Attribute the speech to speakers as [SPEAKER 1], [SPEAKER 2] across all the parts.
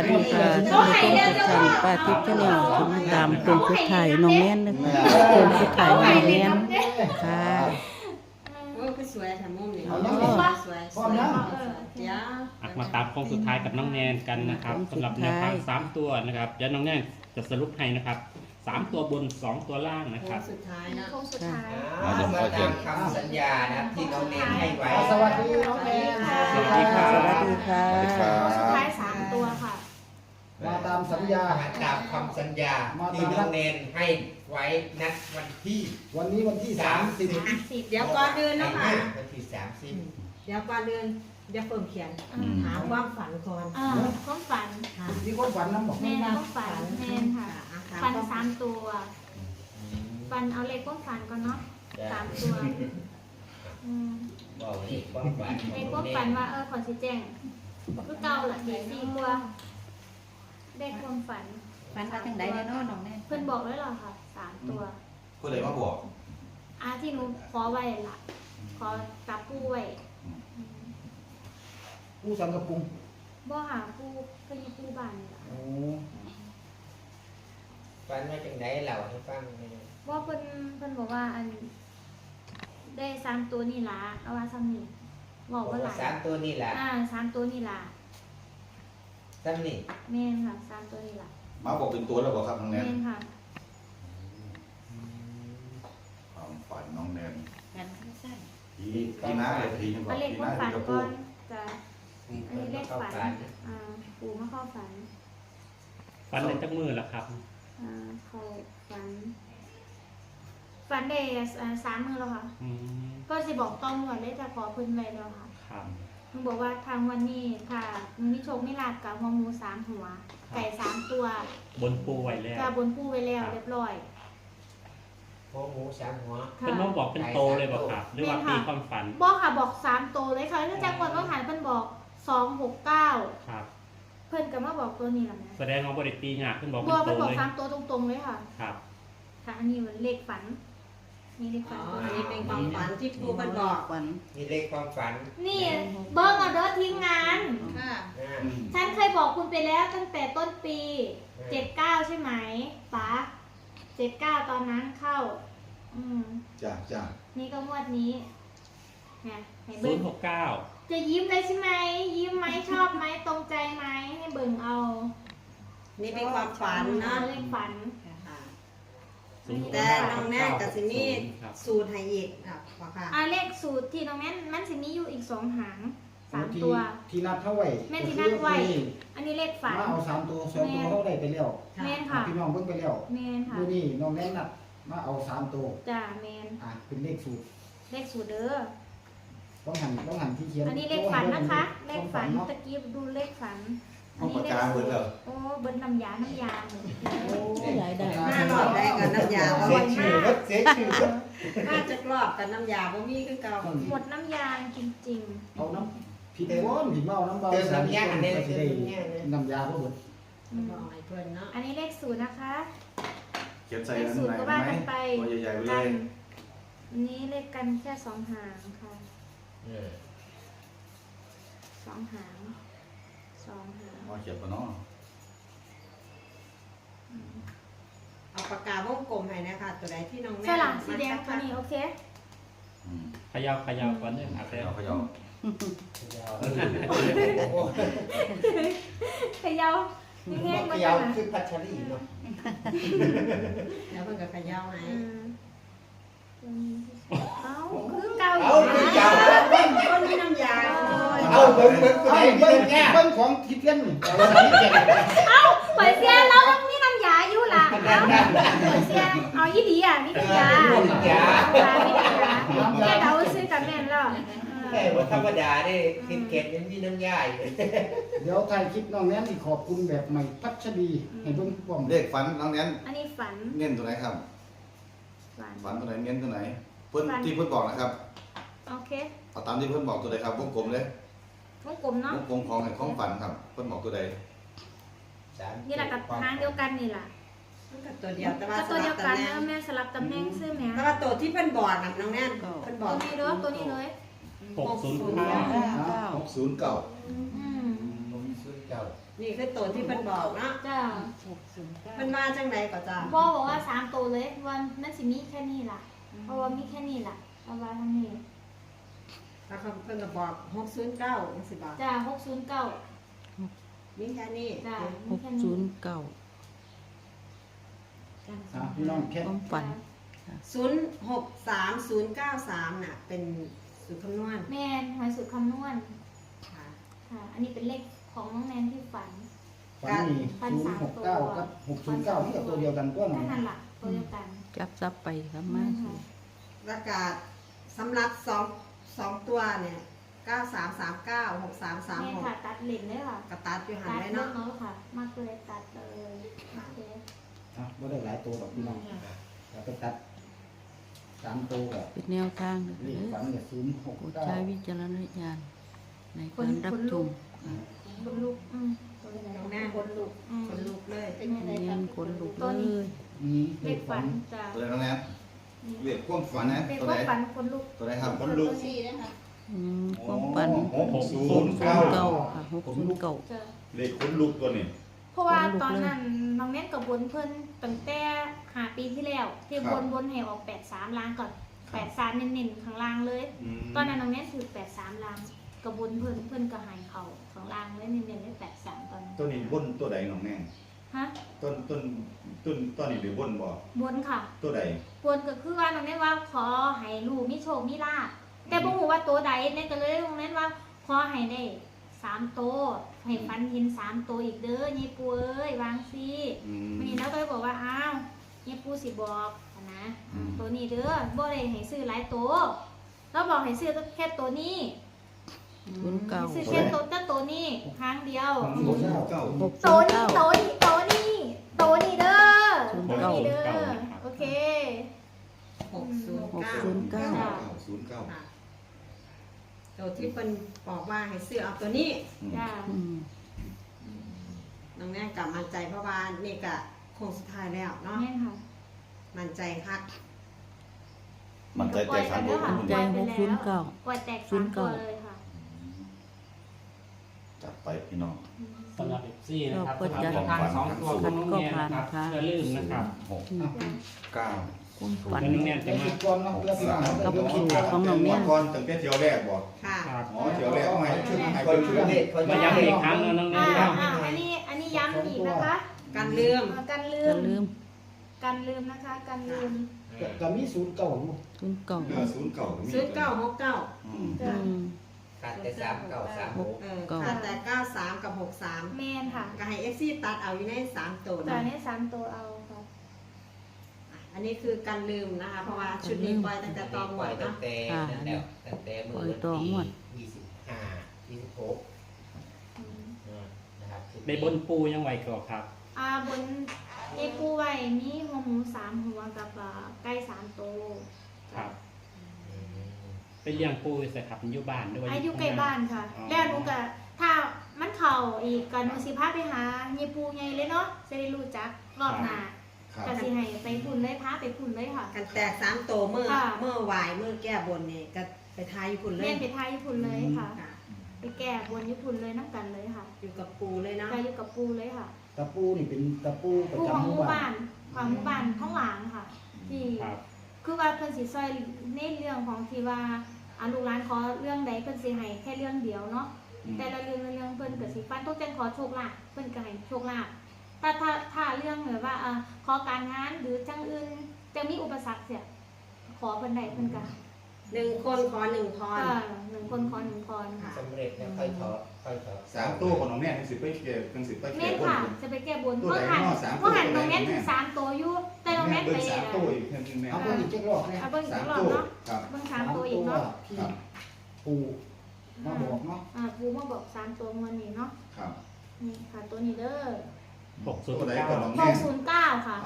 [SPEAKER 1] ดีค่ะท่านผู้ชมทุกท่านป้าทิพย์ชาแนลที่มาตามโครงสุดท้ายน้องแม่นนะคะโครงสุดท้ายน้องแม่นค่ะ
[SPEAKER 2] โอ้คือสวยค่ะมุมนี้สวยเดี๋ยว
[SPEAKER 3] มาตามโค้งสุดท้ายกับน้องแนนกันนะครับสำหรับแนวทาง3ตัวนะครับเดี๋ยวน้องแนนจะสรุปให้นะครับ3ตัวบน2ตัวล่างนะค
[SPEAKER 2] โค้
[SPEAKER 3] รั
[SPEAKER 2] ง
[SPEAKER 3] บ
[SPEAKER 2] สุดท้ายนะ
[SPEAKER 4] โค้งสุดท้าย
[SPEAKER 5] มาตามคำสัญญานะครับที่น้องเนนให้ไว้
[SPEAKER 6] สวัสดีน้องแนน
[SPEAKER 3] สวัสดีครับ
[SPEAKER 1] สวัสดีค่ะ
[SPEAKER 4] โค้งสุดท้าย3ตัวค่ะ
[SPEAKER 6] มาตามสัญญา
[SPEAKER 5] มาตามคำสัญญาที่น้องเนนให้ไว้นัดวันที่
[SPEAKER 6] วันนี้วันที่30
[SPEAKER 2] เดี๋ยวก่อนเดินนะคะ
[SPEAKER 5] วันที่30
[SPEAKER 2] เดี๋ยวก่อนเดินเดี๋ยวเพิ่มเขียนหาความฝันก่อน
[SPEAKER 4] ความฝัน
[SPEAKER 6] มีคนฝันน้ำบอก
[SPEAKER 4] แม่นความฝันแม่นค่ะฝัน3ตัวฝันเอาเลขความฝันก่อนเนาะ3ตัว
[SPEAKER 5] บอกว่าความฝัน
[SPEAKER 4] เลขความฝันว่าขอชี้แจงคือเก่าล่ะ4ตัวเลขความฝัน
[SPEAKER 7] ฝันว่าจังใดเนี่ยเนาะน้องแน่
[SPEAKER 4] เพิ่นบอกไว้หรอค่ะ3ตัว
[SPEAKER 5] ก็เลยมาบอก
[SPEAKER 4] ที่หนูขอไว้ล่ะขอกับผู้ไว้
[SPEAKER 6] ผู้สังกะปุง
[SPEAKER 4] บ่หาผู้ก็อยู่ผู้บ้านนี่ล่ะ
[SPEAKER 6] โอ้
[SPEAKER 5] ฝันว่าจังไดเล่าให้ฟังหน่อย
[SPEAKER 4] ว่าเพิ่นบอกว่าอันได้3ตัวนี่ล่ะเอาว่าซ้ำนี่บอกว่าหลาย
[SPEAKER 5] 3ตัวนี่แหละ
[SPEAKER 4] 3ตัวนี่ล่ะ
[SPEAKER 5] ซ้ำนี่
[SPEAKER 4] แม่นค่ะ3ตัวนี่ล่ะ
[SPEAKER 8] มาบอกเป็นตัวแล้วบอกครับน้องแน
[SPEAKER 4] แม่
[SPEAKER 8] น
[SPEAKER 4] นค่ะ
[SPEAKER 8] ความฝันน้องแนน
[SPEAKER 7] ฝันสั้น
[SPEAKER 8] ทีน้าเลยทีนึงบอ
[SPEAKER 4] เอา
[SPEAKER 8] ก
[SPEAKER 4] เลข
[SPEAKER 8] ที
[SPEAKER 4] ควา
[SPEAKER 8] น้าม
[SPEAKER 4] ฝัน
[SPEAKER 8] จะ
[SPEAKER 4] ก่
[SPEAKER 8] พู
[SPEAKER 4] อ
[SPEAKER 8] ด
[SPEAKER 4] นจะอันนี้เลขฝันปู่มาเข้าฝัน
[SPEAKER 3] ฟันในจักมือแล้วครับ
[SPEAKER 4] เข้าฝันได้3 มื้อแล้วค่ะ
[SPEAKER 3] อืม
[SPEAKER 4] ก็สิบอกต้องก่อนเลยจะขอเพิ่นไว้แล้วค่ะ
[SPEAKER 3] ครับ
[SPEAKER 4] มึงบอกว่าทางวันนี้ค่ะมึงมีโชคไม่ลาบกับหัวหมู3 หัว ไก่3 ตัว
[SPEAKER 3] บนปูไว้แล้ว
[SPEAKER 4] จะบนผู้ไว้แล้วเรียบร้อย
[SPEAKER 5] หัวหมู3หัว
[SPEAKER 4] ค่ะ
[SPEAKER 3] เป็นน้องบอกเป็นโตเลยบอกครับ หรือว่าตีความฝัน
[SPEAKER 4] บอกค่ะบอก3 ตัวเลยค่ะถ้าจังหวัดว่าหันเพิ่นบอก269
[SPEAKER 3] ครับ
[SPEAKER 4] เพิ่นก็มาบอกตัวนี้ล่ะแม่
[SPEAKER 3] แสดงว่าบริตีหยาขึ้นบอก
[SPEAKER 4] บ
[SPEAKER 3] เป็
[SPEAKER 4] อก
[SPEAKER 3] นโต
[SPEAKER 4] เพิ่นบอก
[SPEAKER 3] เลย
[SPEAKER 4] 3 ตัวตรงๆเลยค่ะ
[SPEAKER 3] ครับ
[SPEAKER 4] ค่ะอันนี้มันเลขฝันนี่เลข
[SPEAKER 2] อ๋
[SPEAKER 4] ฝั
[SPEAKER 2] อน อันนี้เป็นความฝันที่ครูเพิ่นบอก
[SPEAKER 1] ฝัน
[SPEAKER 5] นี่เลขความฝัน
[SPEAKER 4] นี่เบิ้งเอาเด้อทีมงาน
[SPEAKER 2] ค่ะ
[SPEAKER 5] นะ
[SPEAKER 4] ฉันเคยบอกคุณไปแล้วตั้งแต่ต้นปี79ใช่ไหมป๋า79ตอนนั้นเข้า
[SPEAKER 8] จ้าจ้า
[SPEAKER 4] นี่ก็งวดนี้ไงให้เบิ้ง
[SPEAKER 3] 069
[SPEAKER 4] จะยิ้มเลยใช่ไหมยิ้มไหมชอบไหมตรงใจไหมให้เบิ่งเอา
[SPEAKER 2] นี่เป็นความฝันเนาะ
[SPEAKER 4] เลขฝัน
[SPEAKER 2] แต่น้องแน่กับสิมีสูตรให้อีกค่ะค่ะ
[SPEAKER 4] เลขสูตรที่น้องแม่นมันสิมีอยู่อีก2 หาง3
[SPEAKER 6] ที่
[SPEAKER 4] ตัว
[SPEAKER 6] ที่นัดเท่าไหร่
[SPEAKER 4] แม่ที่นัดไว้ อันนี้เลขฝัน
[SPEAKER 6] มาเอา3ตัว2ตัวเท่าได้ไปแล้ว
[SPEAKER 4] แม่นค่ะ
[SPEAKER 6] พี่น้องเพิ่งไปแล้ว
[SPEAKER 4] แม่นค่ะ
[SPEAKER 6] ดูนี่น้องแนนนัดมาเอา3ตัว
[SPEAKER 4] จ้าแม่น
[SPEAKER 6] เป็นเลขสูตร
[SPEAKER 4] เลขสูตรเด้อ
[SPEAKER 6] ต้องหันที่เขียน
[SPEAKER 4] อันนี้เลขฝันนะคะ เลขฝัน
[SPEAKER 6] เนาะ
[SPEAKER 4] ตะกี้ดูเลขฝัน
[SPEAKER 8] ห้องปากกาเบิดแล้ว
[SPEAKER 4] โอ้เบิ้ลน้ำยาเหมือน
[SPEAKER 6] โอ้
[SPEAKER 1] ใหญ่ได้
[SPEAKER 2] หน้ารอบได้กับน้ำยา
[SPEAKER 5] เสียชื่อรถเสียชื่อรถ
[SPEAKER 2] น่าจะรอบกับน้ำยาบ่มีคือเก่า
[SPEAKER 4] หมดน้ำยาจริง
[SPEAKER 6] เอาน้ำพี่โอนพี่เมาน้ำเบา
[SPEAKER 5] เติมน้ำยาอันนี้
[SPEAKER 6] ก็
[SPEAKER 5] เติ
[SPEAKER 6] สิ
[SPEAKER 5] ม
[SPEAKER 6] ได้
[SPEAKER 5] น้ำยาเนี่ย
[SPEAKER 6] น้ำยาบ่เบิด
[SPEAKER 4] ๆ
[SPEAKER 2] บอกให้เพิ่นเนาะ
[SPEAKER 4] อันนี้เลขสูตรนะคะ
[SPEAKER 8] เขียนใส่
[SPEAKER 4] เลข
[SPEAKER 8] นั้น
[SPEAKER 4] สูตร
[SPEAKER 8] ไหน
[SPEAKER 4] ก็
[SPEAKER 8] ไหม
[SPEAKER 4] ว่ากันไป
[SPEAKER 8] ตัวใหญ่ๆไปเล
[SPEAKER 4] กั
[SPEAKER 8] ย
[SPEAKER 4] อันนี้เลขกันแค่2 หางค่ะ2 หาง2 หาง
[SPEAKER 8] มาเขียนปะเนาะ
[SPEAKER 2] เอาปากกาวงกลมให้นะคะตัวใดที่น้องแม่
[SPEAKER 4] ใช่หลังสีแดงตัวนี้โอเค
[SPEAKER 3] เขยาวก่อนเลยครับ
[SPEAKER 8] เขย่าเขย่า
[SPEAKER 4] เขย่าแห้งๆ
[SPEAKER 5] เข
[SPEAKER 4] มา
[SPEAKER 5] ย่า
[SPEAKER 4] จ้ะ
[SPEAKER 5] คือพัชรีเนาะ
[SPEAKER 2] แล้วเพิ่นก็เขย่าให้
[SPEAKER 4] เอาคือเก่า
[SPEAKER 5] เอาคือเก่า
[SPEAKER 2] คนมีน้ำยา
[SPEAKER 5] เอาเบิ้งเบิ้งตัวไหน
[SPEAKER 6] เบิ่
[SPEAKER 5] เบิ้
[SPEAKER 6] ง
[SPEAKER 5] งเนี่ย
[SPEAKER 6] เบิ่งของที่เพี้ยนนี่เอาที่เพี้ยน
[SPEAKER 4] เปิดเสียแล้วมีน้ำยาอยู่ล่ะเปิดเสียเอายี่ดีมีน้ำยามีน้ำยาแค่เดาซื้อกับแม่นแล้ว
[SPEAKER 5] แค่ว่าธรรมดาเนี่ยกินเก็ดยังมีน้ำยาอยู่
[SPEAKER 6] เดี๋ยวถ่ายคลิปน้องแนนสิขอบคุณแบบใหม่พัชรีให้เบิ่งพร้อม
[SPEAKER 8] เลขฝันน้องแนน
[SPEAKER 4] อันนี้ฝัน
[SPEAKER 8] เน้นตัวไหนครับ ฝันตัวไหนเน้นตัวไหน เพิ่นที่เพิ่นบอกนะครับ
[SPEAKER 4] โอเค
[SPEAKER 8] เอาตามที่เพิ่นบอกตัวใดครับวงกลมเลยว
[SPEAKER 4] งกลมเนาะ
[SPEAKER 8] วงกลมของฝันครับ เพิ่นบอกตัวใด
[SPEAKER 4] นี่แหละกับทางเดียวกันนี่ล่ะ
[SPEAKER 2] มันก็ตัวเดียวแต่ว่า
[SPEAKER 4] ก็
[SPEAKER 2] ส
[SPEAKER 4] ตัว
[SPEAKER 2] ลั
[SPEAKER 4] เดีย
[SPEAKER 2] บ
[SPEAKER 4] วกัน
[SPEAKER 2] ตำแหน่ง
[SPEAKER 4] แม่สลับตำแหน่งซื้อแม่
[SPEAKER 2] แต่ว่าตัวที่เพิ่นบอกน่ะน้องแน่นเพิ่นบ
[SPEAKER 4] ตั
[SPEAKER 2] อ
[SPEAKER 4] ว
[SPEAKER 2] ก
[SPEAKER 4] นี้เลยตัวนี้เลย
[SPEAKER 3] 609
[SPEAKER 8] 609
[SPEAKER 4] อืม
[SPEAKER 5] ผมมีซื้อเก่า
[SPEAKER 2] นี่คือตัวที่เพิ่นบอกเนาะ
[SPEAKER 4] จ้า
[SPEAKER 2] เพิ่นมาจังไดก็จ้า
[SPEAKER 4] พ่อบอกว่า3ตัวเลยว่ามันสิมีแค่นี้ล่ะเพราะว่ามีแค่นี้ล่ะเอาไว้ทางนี้
[SPEAKER 2] ถ้าเขาเพิ่นก็บอก609จังซี่บ่
[SPEAKER 4] จ้า609
[SPEAKER 2] มีแค่นี้
[SPEAKER 4] จ้า
[SPEAKER 1] ห
[SPEAKER 4] มี
[SPEAKER 1] ก
[SPEAKER 4] แค่
[SPEAKER 1] ศู
[SPEAKER 4] นี้
[SPEAKER 1] นย์เก้า
[SPEAKER 6] พี่น้องแค่
[SPEAKER 1] ความฝัน
[SPEAKER 2] 063093น่ะเป็นสูตรคำนวณ
[SPEAKER 4] แม่นหอยสุดคำนวณ
[SPEAKER 2] ค่ะ
[SPEAKER 4] ค่ะ อันนี้เป็นเลขของน้องแนนที่ฝัน
[SPEAKER 6] ฝันมี069กับ609นี่กับตัวเดียวกันตัวหนึ่
[SPEAKER 4] แค่
[SPEAKER 6] ง
[SPEAKER 4] นั้นล่ะตัวเดียวกัน
[SPEAKER 1] จับซับไปครับมา
[SPEAKER 2] ประกาศสำหรับ2ตัวเนี่ย9339
[SPEAKER 4] แม่ค่ะ
[SPEAKER 2] 6336
[SPEAKER 4] ตัดเหรียญเลยค่ะ
[SPEAKER 2] กระตัดอยู่หัน
[SPEAKER 4] ตัด
[SPEAKER 2] ไว้
[SPEAKER 4] เนาะ
[SPEAKER 2] เนาะ
[SPEAKER 4] ค่ะ มากเลยตัดเลยโอเค
[SPEAKER 6] ไม่ได้หลายตัวแบบพี่น้องเราไปตัด3ตัวแบบ
[SPEAKER 1] เป็นแนวทางนะ
[SPEAKER 6] เลขฝันเนี่ย
[SPEAKER 1] โปรดใช้
[SPEAKER 6] 069
[SPEAKER 1] วิจารณญาณในการรับชม
[SPEAKER 4] คนลุก
[SPEAKER 2] น้องแน่
[SPEAKER 4] คนลุก
[SPEAKER 2] คนลุกเลย
[SPEAKER 4] เป็นอะไร
[SPEAKER 1] เนีย
[SPEAKER 4] กัน
[SPEAKER 1] นขนลุกเลย
[SPEAKER 6] มี
[SPEAKER 4] เลขฝันจ้ะ
[SPEAKER 8] ตัวใดน้องแนนเรียกความฝันนะ
[SPEAKER 4] เลข
[SPEAKER 8] ตัว
[SPEAKER 4] ค
[SPEAKER 8] ใด
[SPEAKER 4] วามฝันคนลุก
[SPEAKER 8] ตัวใดครับ
[SPEAKER 7] คนลูกซี่นะคะ
[SPEAKER 1] ความฝัน
[SPEAKER 8] 609
[SPEAKER 1] เก้าค่ะ609
[SPEAKER 4] จ้ะ
[SPEAKER 9] เลขคนลุกตัวนี้
[SPEAKER 4] เพราะว่าตอนนั้นน้องแนนกับบนเพิ่นตั้งแต่5 ปีที่แล้ว ที่บนให้ออก83ล้านก่อน83เน้นๆข้างล่างเลย ตอนนั้นน้องแนนถือ83ล้านกับบนเพิ่นก็ให้เขาข้างล่างเลยเน้นๆได้83ตอนนั้น
[SPEAKER 9] ตัวนี้บนตัวใดน้องแน่
[SPEAKER 4] ฮะ
[SPEAKER 9] ต้นตอนนี้เดี๋ยวบนบ่
[SPEAKER 4] บนค่ะ
[SPEAKER 9] ตัวใด
[SPEAKER 4] บนก็คือว่าน้องแนนว่าขอให้ลูกมีโชคมีลาภแต่บ่ฮู้ว่าตัวใดแนนก็เลยน้องแนนว่าขอให้ได้3ตัวให้ฟันเห็น3ตัวอีกเด้อยายปูเอ้ยวางสิวันนี้เราก็เลยบอกว่าอ้าวยายปูสิบอกนะตัวนี้เด้อบ่ได้ให้ซื้อหลายตัวเราบอกให้ซื้อแค่ตัวนี้
[SPEAKER 1] 09
[SPEAKER 4] ซื้อแค่ตัวนี้ครั้งเดียว
[SPEAKER 8] 609
[SPEAKER 4] ตัวนี้เด้อตัวนี้เด้อโอเค
[SPEAKER 2] 609
[SPEAKER 8] 09
[SPEAKER 2] ค่ะตัวที่เพิ่นบอกว่าให้ซื้อเอาตัวนี้
[SPEAKER 4] จ้า
[SPEAKER 2] น้องแน่กลับมั่นใจเพราะว่านี่ก็โค้งสุดท้ายแล้วเนาะ
[SPEAKER 4] แม่นค่ะ
[SPEAKER 2] มั่นใจคัก
[SPEAKER 8] มันใจใจครับผม
[SPEAKER 1] ใจ609
[SPEAKER 4] ปล่อยแตก3ตัวเลยค่ะ
[SPEAKER 8] จัดไปพี่น้อง
[SPEAKER 3] สำหรับ FC นะครับ
[SPEAKER 1] ก็
[SPEAKER 3] สำห
[SPEAKER 1] จะ
[SPEAKER 3] รับทางสองตัวของน้องแนนนะครับ
[SPEAKER 1] ก็ผ่านนะคะ
[SPEAKER 3] อย่าลืมนะครับ
[SPEAKER 8] 6 9
[SPEAKER 1] ความฝัน
[SPEAKER 3] แล้วน้องแนนจะ
[SPEAKER 6] เดี๋ยว
[SPEAKER 3] มา
[SPEAKER 6] คิดก่อนเนาะเพื่อพี่น้องเขา
[SPEAKER 1] กับ
[SPEAKER 6] เดี๋ยวคิด
[SPEAKER 1] สูตรของน้องแนน
[SPEAKER 9] ก่อนตั้งแต่เที่ยวแรกบ่
[SPEAKER 2] ค่ะ
[SPEAKER 3] ครับ
[SPEAKER 9] อ๋อเที่ยวแรกเอาให้ชุดให้
[SPEAKER 5] คน
[SPEAKER 9] เพิ่น
[SPEAKER 5] ชื่อเด็กคน
[SPEAKER 3] มาย้ำอีกครั้งนะน้องแนนครับ
[SPEAKER 4] อันนี้ย้ำอีกนะคะ
[SPEAKER 2] การเลื่อม
[SPEAKER 4] กันลื
[SPEAKER 1] อย่าม ลืม
[SPEAKER 4] กันลืมนะคะกันลืม
[SPEAKER 6] ก็มี0 9อยู่
[SPEAKER 1] 09
[SPEAKER 9] 09ก็มี
[SPEAKER 2] 0969
[SPEAKER 4] จ้ะ
[SPEAKER 5] ขาดแต่3936
[SPEAKER 2] ขาดแต่93กับ63
[SPEAKER 4] แม่นค่ะ
[SPEAKER 2] ก็ให้ FC ตัดเอาอยู่ใน3ตัว
[SPEAKER 4] ตอน
[SPEAKER 2] นะ
[SPEAKER 4] นี้3ตัวเอาค่ะ
[SPEAKER 2] อันนี้คือการลืมนะคะ เพราะว่าชุดนี้ปล่อยตั้งแต่ตอนหม
[SPEAKER 5] ปล่อ
[SPEAKER 2] ด
[SPEAKER 5] ยตั้
[SPEAKER 2] เนาะ
[SPEAKER 5] งแต่นั่นแล้วตั้งแต่มือวันที่25 26นะครับ
[SPEAKER 3] ได้บนปูยังไหวก่อครับ
[SPEAKER 4] บนเอปูไว้มีหัวหมู3หัวกับไก่3ตัว
[SPEAKER 3] ครับ เป็นเลี้ยงปูใส่ครับอยู่บ้านด้วย
[SPEAKER 4] อายุใกล้บ้านค่ะ แล้วหนูก็ถ้ามันเข่าอีกก็หนูสิพาไปหาเยปูไงเลยเนาะจะได้รู้จักรอบหน้า
[SPEAKER 8] ครับ
[SPEAKER 4] ก็สิให้ไปพุ่นเลยพาไปพุ่นเลยค่ะ
[SPEAKER 2] กันแตก3ตัวเมื่อวายเมื่อแก้บนนี่ก็ไปทายญี่ปุ่นเล
[SPEAKER 4] เล่
[SPEAKER 2] ย
[SPEAKER 4] นไปทายญี่ปุ่นเลยค่ะ
[SPEAKER 2] ค่ะ
[SPEAKER 4] ไปแก้บนญี่ปุ่นเลยน้ำกันเลยค่ะ
[SPEAKER 2] อยู่กับปูเลยเนาะ
[SPEAKER 4] ไปอยู่กับปูเลยค่ะ
[SPEAKER 6] ตะปูนี่เป็นตะปูประ
[SPEAKER 4] ปูของ
[SPEAKER 6] จำห
[SPEAKER 4] ห
[SPEAKER 6] มู่
[SPEAKER 4] มู่
[SPEAKER 6] บ้า
[SPEAKER 4] บ้าน นของหมู่บ้านท้องหลางค่ะ ที่
[SPEAKER 3] ครับ
[SPEAKER 4] คือว่าเพิ่นสิซอยในเรื่องของที่ว่าลูกหลานขอเรื่องใดเพิ่นสิให้แค่เรื่องเดียวเนาะแต่ละเรื่องเพิ่นก็สิฟันต้องจังขอโชคลาภเพิ่นก็ให้โชคลาภถ้าเรื่องแบบว่าขอการงานหรือจังอื่นจะมีอุปสรรคเสียขอเพิ่นใดเพิ่นก็
[SPEAKER 2] 1 คนขอ1พร
[SPEAKER 4] 1 คนขอ1พรค่ะ
[SPEAKER 5] สำเร็จแล้วค่อยถอด
[SPEAKER 9] 3ตัวของน้องแน่จังสิไปเก็บจังสิไป
[SPEAKER 4] แม่
[SPEAKER 9] เก็บ
[SPEAKER 4] น
[SPEAKER 9] บน
[SPEAKER 4] ค่ะจะไปแก้บน
[SPEAKER 9] ตัว
[SPEAKER 4] เมื่
[SPEAKER 9] ไห
[SPEAKER 4] อน หัน
[SPEAKER 9] เนาะ3
[SPEAKER 4] เมื่อหัน
[SPEAKER 9] ตัว
[SPEAKER 4] น้องแม่นถึง3ตัวอยู่แต่น้องแม่น
[SPEAKER 9] เบิ่
[SPEAKER 4] ไป
[SPEAKER 9] ง3ตัวอีกเพิ่นแม่
[SPEAKER 6] เอาเพิ่นอีกเจ็ดรอบเนี่ย
[SPEAKER 4] เอาเบิ่งอีก
[SPEAKER 9] 3
[SPEAKER 4] รอบ
[SPEAKER 9] ตัว
[SPEAKER 4] เนาะ
[SPEAKER 9] ครับ
[SPEAKER 4] เบิ่ง3ตัวอีกเนาะ
[SPEAKER 6] ที่ปูมาบอกเนาะ
[SPEAKER 4] ปูมาบอก3ตัวมันนี่เนาะ
[SPEAKER 9] ครับ
[SPEAKER 4] นี่ค่ะตัวนี้เด้อ
[SPEAKER 9] ตัวใดก็น้องแน่
[SPEAKER 4] 609ค่ะ
[SPEAKER 9] เอา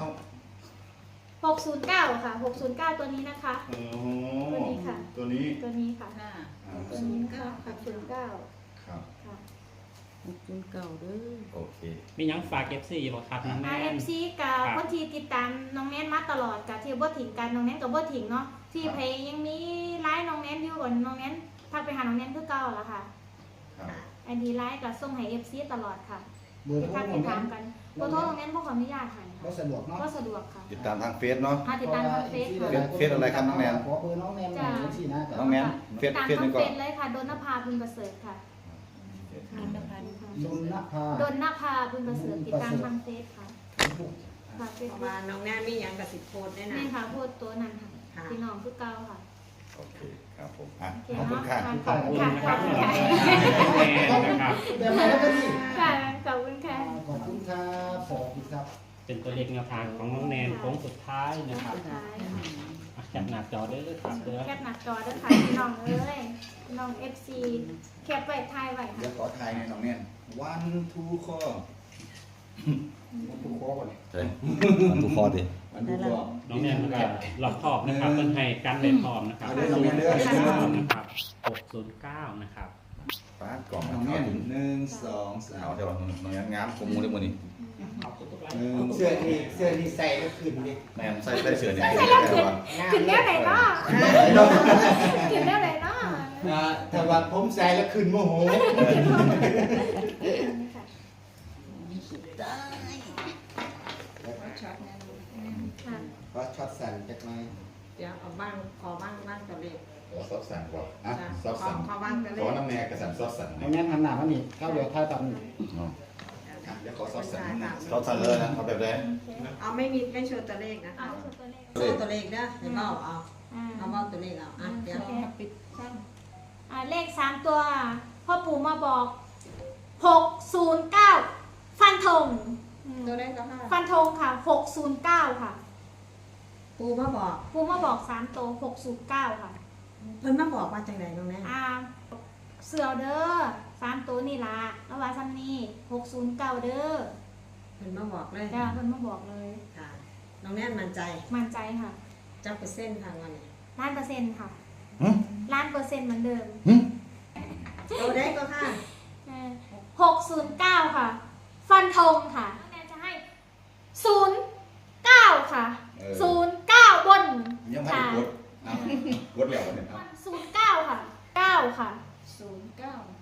[SPEAKER 4] 609ค่ะ609ตัวนี้นะคะ
[SPEAKER 9] โอ้
[SPEAKER 4] ตัวนี้ค่ะ
[SPEAKER 9] ตัวนี้
[SPEAKER 4] ตัวนี้ค่ะ
[SPEAKER 7] ค่ะ
[SPEAKER 4] ตัวนี้ค่ะ609
[SPEAKER 9] ครับ
[SPEAKER 4] ค่ะ
[SPEAKER 1] 609เด้อ
[SPEAKER 8] โอเค
[SPEAKER 3] มีหยังฝาก FC บ่ครับน้องแนน
[SPEAKER 4] RMC กับคนที่ติดตามน้องแนนมาตลอดกับที่บ่ถิงกันน้องแนนกับบ่ถิงเนาะที่เพยยังมีไลน์น้องแนนอยู่ก่อนน้องแนนทักไปหาน้องแนนคือเก่าแล้วค่ะ
[SPEAKER 9] ครับ
[SPEAKER 4] อันนี้ไลน์กับส่งให้ FC ตลอดค่ะ
[SPEAKER 6] เบอร์
[SPEAKER 4] ไป
[SPEAKER 6] โทร
[SPEAKER 4] ทัก
[SPEAKER 6] น้
[SPEAKER 4] ไป
[SPEAKER 6] องแน
[SPEAKER 4] ถาม
[SPEAKER 6] น
[SPEAKER 4] กันเบอร์โทรตรงนั้นพวกขออนุญาตให้
[SPEAKER 6] ก็
[SPEAKER 4] ค่ะ
[SPEAKER 6] สะดวกเนาะ
[SPEAKER 4] ก็สะดวกค่ะ
[SPEAKER 8] ติดตามทางเฟซเนาะ
[SPEAKER 4] ติดตามทางเฟซค่ะ
[SPEAKER 8] เฟซอะไรครับน้องแนน
[SPEAKER 6] ขอเบอร์น้องแนนหน่อยจังซี่นะ
[SPEAKER 8] น้องแนนเฟซ
[SPEAKER 4] ตาม
[SPEAKER 8] เฟซ
[SPEAKER 4] ทาง
[SPEAKER 8] นี่
[SPEAKER 4] เฟ
[SPEAKER 8] ก็
[SPEAKER 4] ซเลยค่ะดนนภาบุญประเสริฐค่ะ
[SPEAKER 7] นนพันธ์
[SPEAKER 6] ดนนภา
[SPEAKER 4] ดนนภาบุญประเสริฐติดตามทางเฟซค่ะค่ะเฟซ
[SPEAKER 2] เพราะว่าน้องแนนมีหยังกับสิบโพสได้นะ
[SPEAKER 4] นี่ค่ะพูดตัวนั้นค่ะพี่น้องคือเก่าค่ะ
[SPEAKER 8] โอเคครับผมอ่ะ
[SPEAKER 4] โอเค
[SPEAKER 8] ขอบคุณค่ะ
[SPEAKER 3] ขอบคุณนะครับน้องแนนนะครับ
[SPEAKER 6] เดี๋ยวมาแล้วก็นี่
[SPEAKER 4] ค่ะขอบคุณค่ะ
[SPEAKER 6] ขอบคุณครับสวัสดีครับ
[SPEAKER 3] เป็นตัวเลขแนวทางของน้องแนนโค้งสุดท้ายนะครับ
[SPEAKER 4] สุดท้ายค่ะ
[SPEAKER 3] อ่ะจับหน้าจอได้เลยครับเด้อ
[SPEAKER 4] แคปหนักจอด้วยค่ะพี่น้องเอ้ยพี่น้อง FC แคปไว้ทายไว้
[SPEAKER 8] เดี๋ย
[SPEAKER 4] ค่ะ
[SPEAKER 8] วขอทายในน้องแนน
[SPEAKER 9] one two ข้อ
[SPEAKER 6] ผู้คอก่อน
[SPEAKER 8] เฮ้ยมันทุกข้อดิ
[SPEAKER 6] มันดูก่อน
[SPEAKER 3] น้องแนนมันก็หลอกขอบนะครับเพิ่นให้กันเลยพร้อมนะครับ
[SPEAKER 6] เอาเด้อน้องแนนเด้อ
[SPEAKER 3] นะครับ609นะครับ
[SPEAKER 8] ป้ากล่อง
[SPEAKER 9] น้อง
[SPEAKER 8] เข้า
[SPEAKER 9] แน่น
[SPEAKER 8] ถึง
[SPEAKER 9] หนึ่งสองสา
[SPEAKER 8] เอา
[SPEAKER 9] ม
[SPEAKER 8] ใช่ป่ะน้องแนนงามกว่าหมูได้มื้อนี้
[SPEAKER 9] หนึ่ง
[SPEAKER 6] เสื้อนี่ใส่ก็ขึ้นดิ
[SPEAKER 8] แนนใส่เสื้อนี่
[SPEAKER 4] ใส่แล้วขึ้นแนวไหนเนาะขึ้นแนวไหนเนาะ
[SPEAKER 6] แต่ว่าผมใส่แล้วขึ้นโมโห
[SPEAKER 4] ค่ะ
[SPEAKER 6] เพราะช็อตสั่นจากไหน
[SPEAKER 2] เดี๋ยวเอาบ้างขอบ้างตัวเลข
[SPEAKER 9] ขอซอสสั่นก่อนอ่ะ
[SPEAKER 2] จ้ะ
[SPEAKER 9] ซอสสั่น
[SPEAKER 2] ขอบ้างตัวเล
[SPEAKER 9] ขอ
[SPEAKER 2] ข
[SPEAKER 9] น้ำแนนกระสันซอสสั่น
[SPEAKER 6] น้องแนนทำหน้ามันนี่เข้าเดี๋ยวท้ายตอนนี้
[SPEAKER 8] อ๋อ
[SPEAKER 9] อ่ะเดี๋ยวขอซอสสั่นนะ
[SPEAKER 8] ซอสสั่นเลยนะเอาแบบไหน
[SPEAKER 2] เอาไม่โชว์ตัวเลขนะ
[SPEAKER 4] เอา
[SPEAKER 2] คะ
[SPEAKER 4] ที่สุดตัวเลข
[SPEAKER 2] โชว์ตัวเลขนะเดี๋ยวเอา
[SPEAKER 4] อ่า
[SPEAKER 2] เอาเบ้าตัวเลขเอาอ่ะเดี๋ยว
[SPEAKER 7] ปิดช่อง
[SPEAKER 4] เลข3ตัวพ่อปู่มาบอก609ฟันธง
[SPEAKER 2] ตัวเลขก็ห้า
[SPEAKER 4] ฟันธงค่ะ609ค่ะ
[SPEAKER 2] ปูมาบอก
[SPEAKER 4] ปู่มาบอก3ตัว609ค่ะ
[SPEAKER 2] เพิ่นมาบอกว่าจังไดน้องแนน
[SPEAKER 4] เสือเด้อ3ตัวนี่ล่ะแล้วว่าซ้ำนี่609เด้อ
[SPEAKER 2] เพิ่นมาบอกเลย
[SPEAKER 4] จ้าเพิ่นมาบอกเลย
[SPEAKER 2] ค่ะน้องแนนมั่นใจ
[SPEAKER 4] มั่นใจค่ะ
[SPEAKER 2] จักเปอร์เซ็นต์ทางวันนี้
[SPEAKER 4] 1,000%ค่ะ1,000%เหมือนเดิม
[SPEAKER 2] ตัวเลขก็ค่ะ
[SPEAKER 4] 609ค่ะ ฟันธงค่ะแนนจะให้09ค่ะ09บน
[SPEAKER 9] ยังไม่
[SPEAKER 4] ค่ะ
[SPEAKER 9] ได้กดอ่ะกดแล้ววันนี้ครับ
[SPEAKER 4] 09ค่ะ9ค่ะ
[SPEAKER 7] 09